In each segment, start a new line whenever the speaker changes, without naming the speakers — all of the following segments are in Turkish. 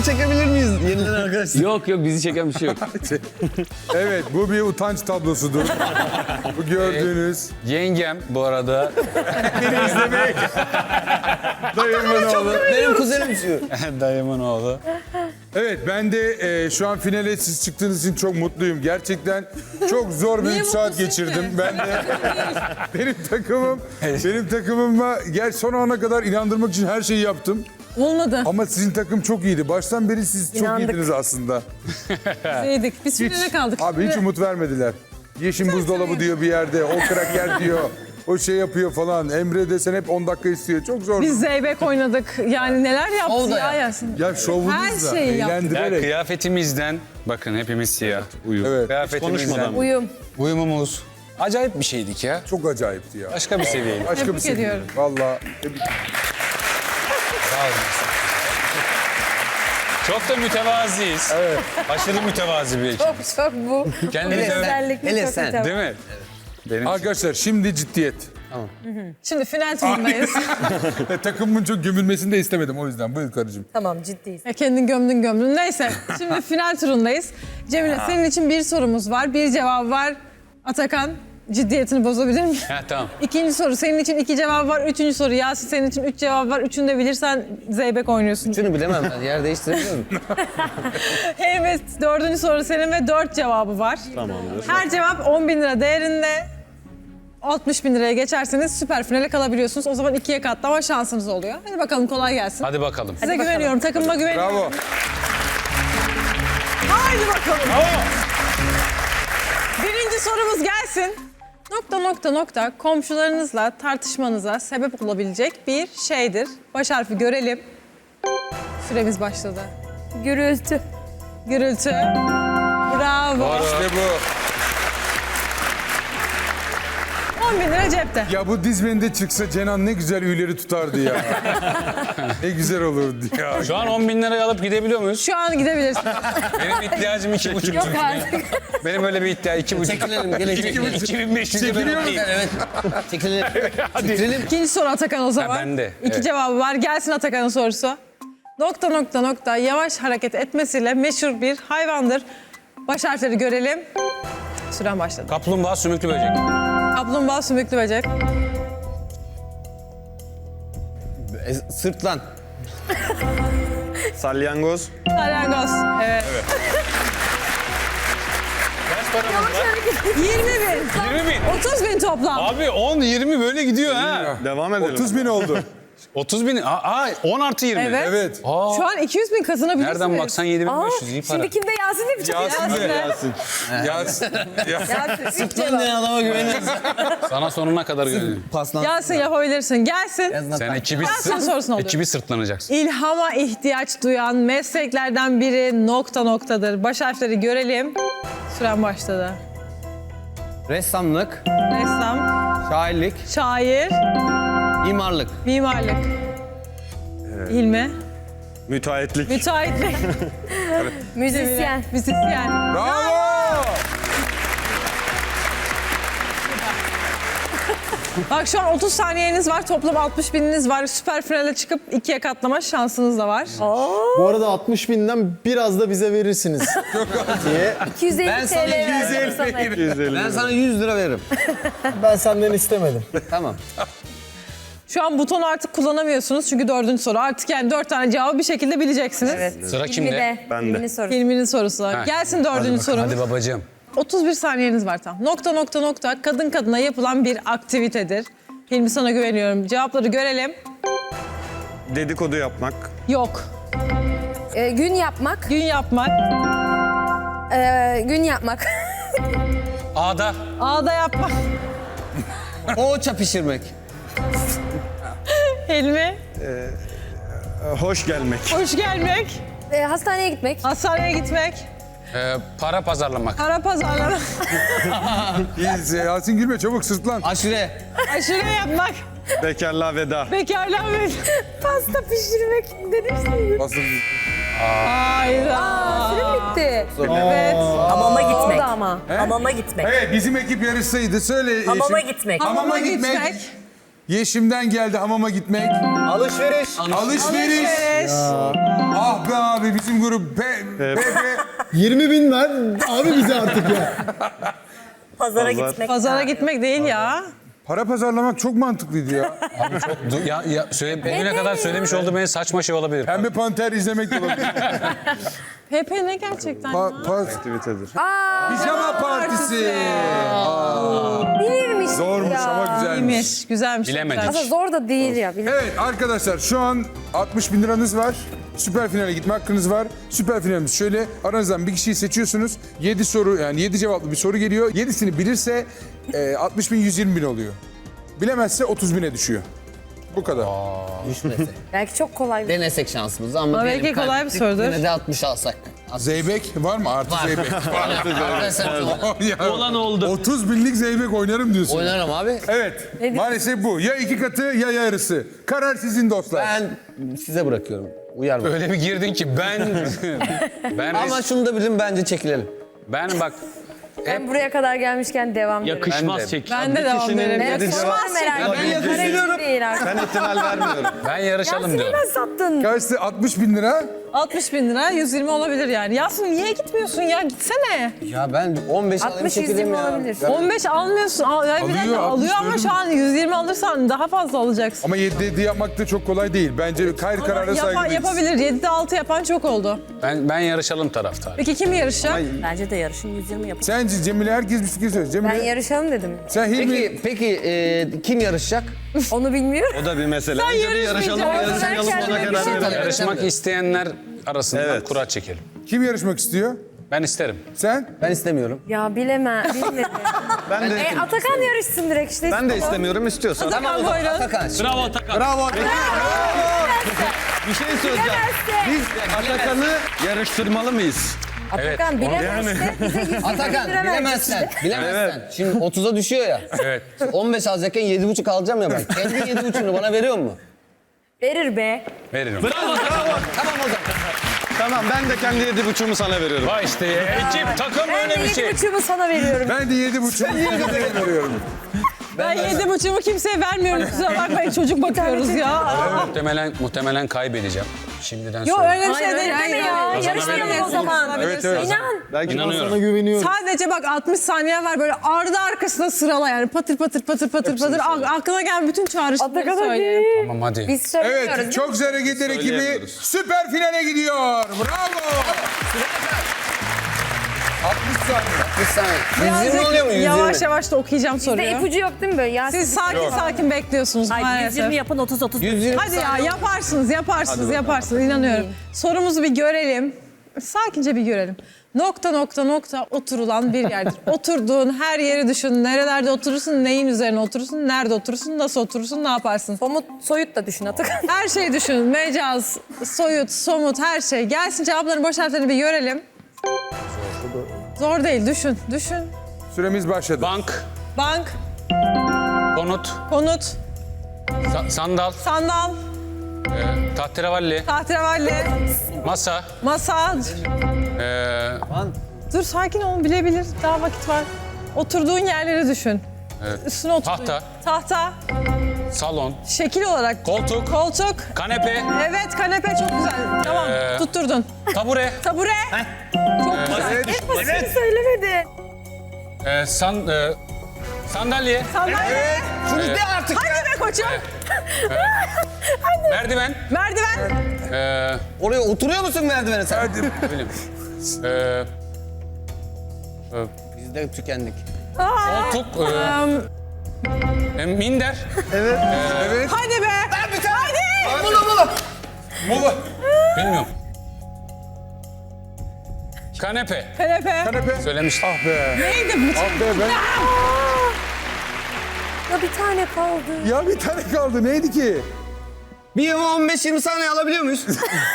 çekebilir miyiz yeniden arkadaşlar?
Yok bizi çeken bir şey yok.
Evet, bu bir utanç tablosudur. Bu gördüğünüz.
Yengem bu arada.
Beni izlemek. Dayımın oğlu.
Benim kuzenim şu.
Dayımın oğlu.
Evet, ben de şu an finale siz çıktığınız için çok mutluyum. Gerçekten çok zor bir 3 saat geçirdim. Ben de benim takımıma son ana kadar inandırmak için her şeyi yaptım.
Olmadı.
Ama sizin takım çok iyiydi. Baştan beri siz çok
İnandık.
iyiydiniz aslında.
Yedik. Biz finale kaldık.
Abi hiç umut vermediler. Yeşim buzdolabı diyor bir yerde, o kraker diyor. O şey yapıyor falan. Emre desen hep 10 dakika istiyor. Çok zor.
Biz zeybek oynadık. Yani neler yaptı
Oldu
ya
ya.
Yasin.
Ya şovunuzla,
Her şeyi yaptı.
Ya
eğlendirerek.
kıyafetimizden bakın hepimiz siyah uyum.
Evet.
Kıyafetimizden
Uyum.
uyumumuz acayip bir şeydik ya.
Çok acayipti ya.
Başka bir seviyeydi.
Başka bir
Tebrik
şey.
ediyorum.
Valla.
Sağ olun. Çok da mütevaziyiz. Evet. Aşırı mütevazi bir ekip.
Çok bu.
Kendinize
Özellikle
hele
çok
sen.
hitap.
değil mi? Benim
Arkadaşlar şimdi ciddiyet.
Şimdi final turundayız.
Takımımın çok gömülmesini de istemedim o yüzden. Buyur karıcığım.
Tamam ciddiyiz.
Kendin gömdün. Neyse. Şimdi final turundayız. Cemile senin için bir sorumuz var. Bir cevap var. Atakan ciddiyetini bozabilir mi?
Ha tamam.
İkinci soru senin için 2 cevap var. Üçüncü soru Yasin senin için 3 cevap var. Üçünü de bilirsen zeybek oynuyorsun.
Şunu bilemem ben. Yer değiştirebiliyor muyum?
Evet, dördüncü soru senin ve 4 cevabı var. Tamamdır. Her cevap 10.000 lira değerinde. 60.000 liraya geçerseniz süper finale kalabiliyorsunuz. O zaman 2'ye katlama şansınız oluyor. Hadi bakalım kolay gelsin.
Hadi bakalım.
Size güveniyorum, takımıma güveniyorum.
Bravo.
Haydi bakalım. Birinci sorumuz gelsin. ... komşularınızla tartışmanıza sebep olabilecek bir şeydir. Baş harfi görelim. Süremiz başladı.
Gürültü.
Gürültü. Bravo.
İşte bu.
10.000 lira cepte.
Ya bu dizmeninde çıksa Cenan ne güzel üyleri tutardı ya. Ne güzel olurdu ya.
Şu an 10.000 lirayı alıp gidebiliyor muyuz?
Şu an gidebilirsin.
Benim ihtiyacım 2,5
Yok
çünkü.
artık.
Benim öyle bir iddia 2,5.
Çekilelim. Gelin çekilelim.
2500
Çekiliyor musun?
Evet. Çekilelim. Çekilelim.
İkinci soru Atakan o zaman.
Ha, bende,
2
evet.
cevabı var. Gelsin Atakan'ın sorusu. ... yavaş hareket etmesiyle meşhur bir hayvandır. Baş harfleri görelim. Süren başladı.
Kaplumbağa sümüklü böcek.
Kaplumbağa sümüklü böcek.
Sırtlan.
Salyangoz.
Salyangoz. Evet.
Kaç paramız var?
20.000.
20.000.
30.000 toplam.
Abi 10, 20 böyle gidiyor ha.
Devam edelim.
30.000 oldu.
30.000. 10 artı 20.
Evet.
Evet.
Şu an 200.000 kazanabilirsiniz.
Nereden baksan 7.500 iyi para.
Şimdi kimde Yasin de bir çok
Yasin de. Yasin.
Sırtlan diyen adama güveniyoruz.
Sana sonuna kadar güveniyorum.
Paslan.
Yasin yapabilirsin. Gelsin.
Sen ekibi,
Gelsin sorusunu alıyorum.
ekibi sırtlanacaksın.
İlhama ihtiyaç duyan mesleklerden biri ... Baş harfleri görelim. Süren başladı.
Ressamlık,
Ressam,
şairlik,
şair,
mimarlık.
mimarlık. İlmi,
Müteahhitlik.
müteahhitlik,
Müzisyen.
müzisyen.
Bravo.
Bak şu an 30 saniyeniz var. Toplam 60.000'iniz var. Süper finale çıkıp 2'ye katlama şansınız da var.
Bu arada 60.000'den biraz da bize verirsiniz diye.
250
Ben sana
TL verdim sana.
250
Ben sana 100 lira veririm.
Ben senden istemedim.
Tamam.
Şu an butonu artık kullanamıyorsunuz çünkü 4. soru. Artık yani 4 tane cevabı bir şekilde bileceksiniz.
Evet.
Sıra kimde?
De.
Bende.
Hilmi'nin sorusu.
Hilmi'nin sorusu. Gelsin 4. sorumuz.
Hadi babacığım.
31 saniyeniz var tam. ... kadın kadına yapılan bir aktivitedir. Hilmi sana güveniyorum. Cevapları görelim.
Dedikodu yapmak.
Yok.
Gün yapmak.
Gün yapmak.
Gün yapmak.
Ağda.
Ağda yapmak.
Poğaça pişirmek.
Hilmi.
Hoş gelmek.
Hoş gelmek.
Hastaneye gitmek.
Hastaneye gitmek.
Para pazarlamak.
Para pazarlamak.
Yasin gülme çabuk sırtlan.
Aşure.
Aşure yapmak.
Bekarlığa veda.
Bekarlığa ve...
Pasta pişirmek dedim.
Aslında
Hayda.
Sürem bitti.
Evet.
Hamama gitmek.
O da ama.
Hamama gitmek.
Evet bizim ekip yarışsaydı söyle.
Hamama gitmek.
Hamama gitmek.
Yeşim'den geldi hamama gitmek.
Alışveriş.
Alışveriş. Ah be abi bizim grup.
20 bin ver abi bize artık ya.
Pazara gitmek.
Pazara gitmek değil ya.
Para pazarlamak çok mantıklıydı ya.
Bugüne kadar söylemiş olduğum en saçma şey olabilir.
Pembe Panter izlemek de olabilir.
Pepe ne gerçekten ya?
Aktivitedir.
Pijama partisi.
Bilirmiş
Zormuş
ya.
ama güzelmiş.
İyiymiş, güzelmiş.
Bilemedik.
güzelmiş.
Aslında zor da değil ya.
Evet arkadaşlar şu an 60 bin liranız var. Süper finale gitme hakkınız var. Süper finalimiz şöyle. Aranızdan bir kişiyi seçiyorsunuz. 7 soru yani 7 cevaplı bir soru geliyor. 7'sini bilirse 60 bin 120 bin oluyor. Bilemezse 30 bine düşüyor. Bu kadar.
Belki çok kolay.
Denesek şansımızı ama
Ama
diyelim
belki kolay bir
kaybettik,
sorudur.
Yine de 60 alsak.
Zeybek var mı? Artı Zeybek.
Arkadaşlar
Olan oldu.
30 binlik Zeybek oynarım diyorsun.
oynarım abi.
Evet. Maalesef bu. Ya iki katı ya yarısı. Karar sizin dostlar.
Ben size bırakıyorum. Uyar mı?
Öyle bir girdin ki ben
Ama şunu da bilin bence çekilelim.
ben bak
Ben buraya kadar gelmişken devam ediyorum.
yakışmaz çek.
Ben de devam ederim.
Ben
Yakışmaz
sormam merak
Ben
ettim.
yakışıyorum.
Değil artık.
Ben ihtimal vermiyorum.
Ben yarışalım
Yasin'i
diyorum.
ben sattın.
Kaçtı? 60 bin lira.
60 bin lira, 120 olabilir yani. Yasin niye gitmiyorsun ya? Gitsene.
Ya ben 15 alayım
60
çekileyim
120
ya.
olabilir.
15 almıyorsun. Ya bir
Alıyor,
dakika,
60
alıyor ama
diyorum.
şu an 120 alırsan daha fazla alacaksın.
Ama 7 yapmak da çok kolay değil. Bence hayır karara saygılıyız.
Yapabilir. 7'de 6 yapan çok oldu.
Ben yarışalım taraftarı.
Peki kim yarışacak?
Bence de yarışın 120 yapın.
Sence Cemile herkes bir fikir söyle.
Ben
Cemile
yarışalım dedim.
sen Hilmi.
Peki kim yarışacak?
Onu bilmiyorum.
O da bir mesele. Önce bir yarışalım,
yarışmayacaksın.
yarışmayalım ona
Kendime bir
karar
şey
verelim.
Yarışmak isteyenler arasında
Evet.
kura çekelim.
Kim yarışmak istiyor?
Ben isterim.
Sen?
Ben istemiyorum.
Ya bilmedim.
Ben de
Atakan yarışsın direkt işte.
ben de istemiyorum istiyorsan.
Tamam o zaman
buyurun.
Atakan.
Bravo Atakan.
Bravo.
Bir şey söyleyeceğim. Biz Atakan'ı yarıştırmalı mıyız?
Atakan bilemezse bize 120
Atakan
lira
bilemezsen. Bilemezsen. Şimdi 30'a düşüyor ya.
Evet.
15 alacakken 7,5 alacağım ya ben. Kendi 7,5'unu bana veriyor mu?
Verir be.
Veririm.
Tamam o zaman.
Tamam ben de kendi 7,5'umu sana veriyorum.
Vay işte ekip takım
Ben de
öyle bir şey.
7,5'umu sana veriyorum.
Ben de 7,5 veriyorum.
Ben 7,5'umu kimseye vermiyorum. Kusura bakmayın çocuk bakıyoruz ya.
Muhtemelen kaybedeceğim. Şimdiden
Yok
söyleyeyim.
öyle bir şey
Hayır,
değil.
öyle deme ya. Yarışmayalım o zaman.
Evet, evet.
İnan.
Belki
İnanıyorum.
Sana güveniyorum.
Sadece bak 60 saniye var böyle ardı arkasına sırala yani patır patır patır patır patır. Aklına gelen bütün çağrışımları
Atakan
söyle.
hadi.
Tamam hadi.
Biz söylemiyoruz.
Evet, çok güzel hareketler ekibi
Söyleyemiyoruz.
süper finale gidiyor. Bravo. 60 saniye.
Bir saniye. 120 oluyor mu? 120.
Yavaş yavaş da okuyacağım
Bizde
soruyu.
ipucu yok değil mi böyle? Ya
Siz sakin sakin bekliyorsunuz maalesef.
yapın 30-30.
120
Hadi ya yaparsınız inanıyorum. Sorumuzu bir görelim. Sakince bir görelim. Nokta nokta nokta oturulan bir yerdir. Oturduğun her yeri düşün. Nerelerde oturursun, neyin üzerine oturursun, nerede oturursun, nasıl oturursun, ne yaparsın?
Soyut da düşün Atakan.
Her şeyi düşün. Mecaz, soyut, somut her şey. Gelsin cevapların boş harflerini bir görelim. Zor değil düşün.
Süremiz başladı.
Bank,
Bank,
konut,
konut,
sandal,
sandal,
tahterevalli,
tahterevalli,
masa,
masa. Dur sakin olun bilebilir. Daha vakit var. Oturduğun yerleri düşün. Üstüne oturduğun.
Tahta.
Tahta.
salon,
Şekil olarak.
koltuk,
Koltuk.
kanepe,
Evet kanepe çok güzel. Tamam tutturdun.
tabure,
Tabure. Çok güzel.
Seni söylemedi.
sandalye,
Sandalye.
Şunu de artık.
Hadi be koçum.
merdiven,
Merdiven.
Oraya oturuyor musun merdivene sen?
Hadi.
bileyim,
Biz de tükendik.
koltuk, minder,
Evet.
Hadi be. Hadi.
Mola.
bilmiyorum. Kanepe,
Kanepe.
Kanepe.
söylemiştim.
Ah be.
Neydi bu?
Ah be ben.
Ya bir tane kaldı.
Ya bir tane kaldı. Neydi ki?
Bir 15-20 saniye alabiliyor muyuz?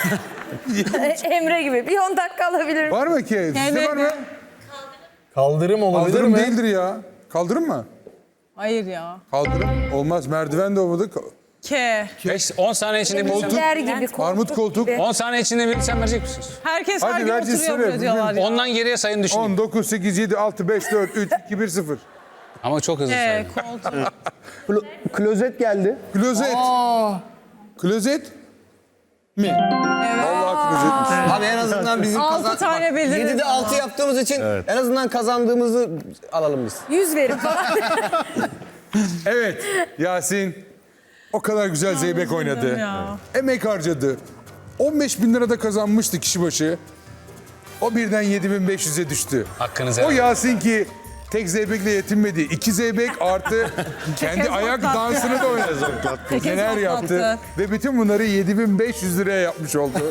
Emre gibi. Bir 10 dakika alabilirim.
Var mı ki? Sizde var mı?
Kaldırım olabilir
Kaldırım
mi?
değildir ya. Kaldırım mı?
Hayır ya.
Kaldırım. Olmaz. Merdiven de olmadı.
10 saniye içinde bilirsem,
Yer gibi.
Armut koltuk.
gibi.
10 saniye içinde bilirsem verecek misiniz?
Herkes
Hadi
her gün
vereceğiz,
oturuyor
söyle.
buraya diyorlar ya.
Ondan geriye sayın düşünün.
10, 9, 8, 7, 6, 5, 4, 3, 2, 1, 0.
Ama çok hızlı saydım.
Koltuk.
Klozet geldi.
Klozet. Klozet mi? Allah klozetmiş.
Abi en azından bizim
6 tane bildiniz.
7'de 6 yaptığımız için en azından kazandığımızı alalım biz.
100 verin falan.
Evet Yasin o kadar güzel zeybek oynadı.
ya.
Emek harcadı. 15.000 lira da kazanmıştı kişi başı. O birden 7.500'e düştü.
Hakkınızı
O
helal edin.
Yasin ki tek zeybekle yetinmedi. 2 zeybek artı kendi
Tekez
ayak
patlattı.
dansını da oynadı.
Tekez
Neler yaptı.
patlattı.
Ve bütün bunları 7.500 liraya yapmış oldu.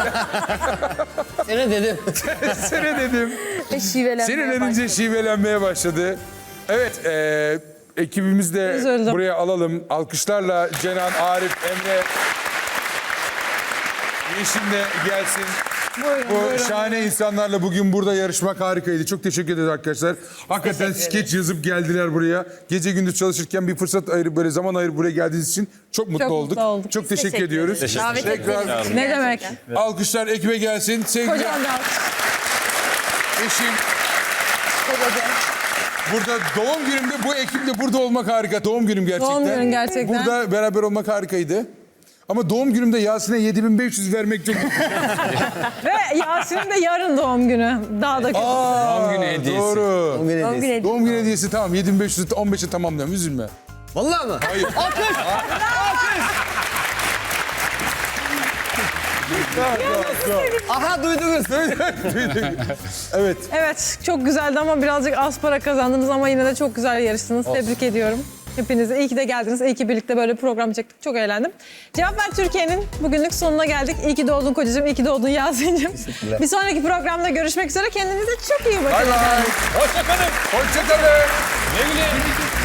Sene dedim.
Sene dedim.
Ve şivelenmeye
Sinirlenince
başladı.
şivelenmeye başladı. Evet, ekibimiz de
Üzüldüm.
buraya alalım. Alkışlarla Cenan, Arif, Emre, Yeşim de gelsin. Bu şahane insanlarla bugün burada yarışmak harikaydı. Çok teşekkür ederiz arkadaşlar. Hakikaten skeç yazıp geldiler buraya. Gece gündüz çalışırken bir fırsat ayırıp böyle zaman ayırıp buraya geldiğiniz için çok mutlu
mutlu
olduk.
olduk.
Çok teşekkür
Teşekkür
ediyoruz.
ederiz. Davet
Tekrar
ettiğiniz için
Ne demek?
gerçekten.
alkışlar ekibe gelsin. Sevgili
Kocaman bir alkış.
eşim. Burada doğum günümde bu ekiple burada olmak harika. Doğum günüm gerçekten.
Doğum günün gerçekten.
Burada beraber olmak harikaydı. Ama doğum günümde Yasin'e 7.500 vermek çok...
Ve Yasin'in de yarın doğum günü. Daha da kötü.
Doğum günü hediyesi.
Doğru.
Doğum günü
Doğum
hediyesi.
günü
Doğum günü hediyesi tamam 7.500'ü 15'e tamamlıyorum üzülme.
Vallahi mı?
Hayır.
Aha duydunuz.
Evet.
Evet, çok güzeldi ama birazcık az para kazandınız ama yine de çok güzel yarıştınız. Tebrik ediyorum. Hepinize iyi ki de geldiniz. İyi ki birlikte böyle bir program çektik. Çok eğlendim. Cevap Ver Türkiye'nin bugünlük sonuna geldik. İyi ki doğdun kocacığım, iyi ki doğdun Yasin'cim. Bir sonraki programda görüşmek üzere. Kendinize çok iyi bakın.
Bay bay.
Hoşçakalın.
Hoşçakalın.
Güle güle.